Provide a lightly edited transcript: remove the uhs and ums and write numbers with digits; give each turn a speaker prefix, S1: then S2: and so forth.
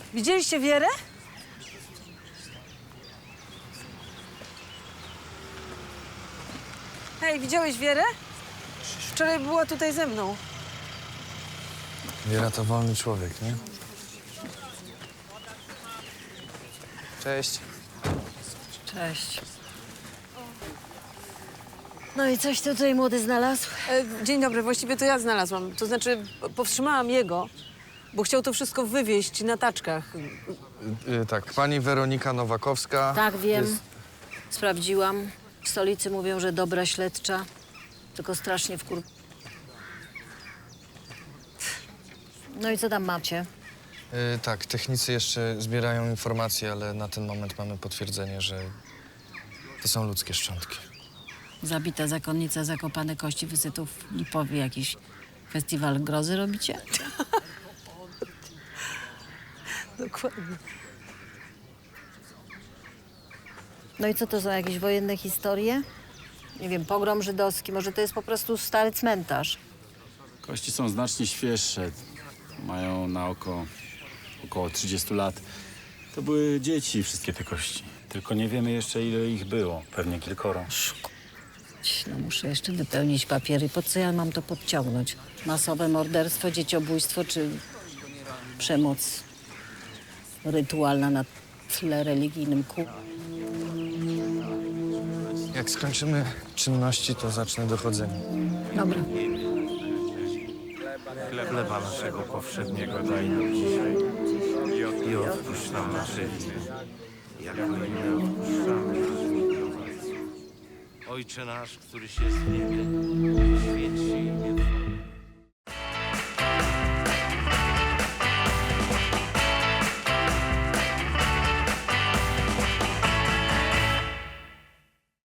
S1: Widzieliście Wierę? Hej, widziałeś Wierę? Wczoraj była tutaj ze mną.
S2: Wiera to wolny człowiek, nie? Cześć.
S3: Cześć. No i coś tu tutaj młody znalazł?
S1: Dzień dobry, właściwie to ja znalazłam. To znaczy, powstrzymałam jego, bo chciał to wszystko wywieźć na taczkach.
S2: Tak, pani Weronika Nowakowska.
S3: Tak, wiem.
S2: jest-
S3: Sprawdziłam. W stolicy mówią, że dobra śledcza, tylko strasznie No i co tam macie?
S2: Tak, technicy jeszcze zbierają informacje, ale na ten moment mamy potwierdzenie, że to są ludzkie szczątki.
S3: Zabita zakonnica, zakopane kości, wysytów w Lipowie. Jakiś festiwal grozy robicie?
S1: Dokładnie.
S3: No i co to są jakieś wojenne historie? Nie wiem, pogrom żydowski, może to jest po prostu stary cmentarz.
S4: Kości są znacznie świeższe. Mają na oko około 30 lat. To były dzieci, wszystkie te kości. Tylko nie wiemy jeszcze, ile ich było. Pewnie kilkoro.
S3: No muszę jeszcze wypełnić papiery. Po co ja mam to podciągnąć? Masowe morderstwo, dzieciobójstwo czy przemoc rytualna na tle religijnym
S2: Jak skończymy czynności, to zacznę dochodzenie.
S3: Dobra.
S5: Chleba naszego powszedniego daj nam dzisiaj i odpuść nam nasze winy, jak my odpuszczamy naszym winowajcom. Ojcze nasz, któryś jest w niebie, święć się imię Twoje.